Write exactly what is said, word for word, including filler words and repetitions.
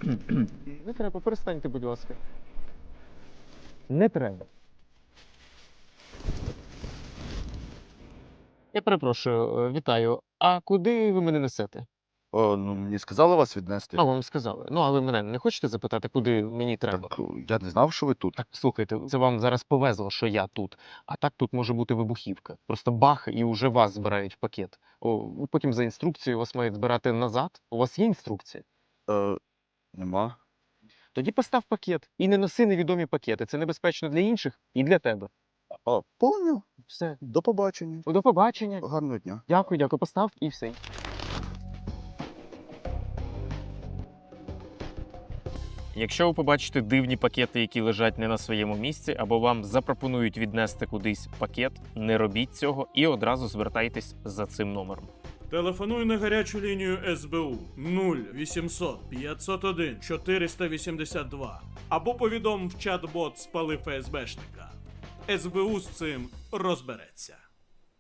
Не треба, перестаньте, будь ласка. Не треба. Я перепрошую, е, вітаю. А куди ви мене несете? О, ну мені сказали вас віднести. А, вам сказали. Ну, а ви мене не хочете запитати, куди мені треба? Так я не знав, що ви тут. Так, слухайте, це вам зараз повезло, що я тут. А так тут може бути вибухівка. Просто бах, і вже вас збирають в пакет. О, потім за інструкцією вас мають збирати назад. У вас є інструкція? Е, Нема. Тоді постав пакет. І не носи невідомі пакети. Це небезпечно для інших і для тебе. А, поняв. Все. До побачення. До побачення. Гарного дня. Дякую, дякую. Постав і все. Якщо ви побачите дивні пакети, які лежать не на своєму місці, або вам запропонують віднести кудись пакет, не робіть цього і одразу звертайтесь за цим номером. Телефонуй на гарячу лінію ес бе у нуль вісімсот п'ятсот один чотириста вісімдесят два або повідом в чат-бот «Спали ФСБшника». ес бе у з цим розбереться.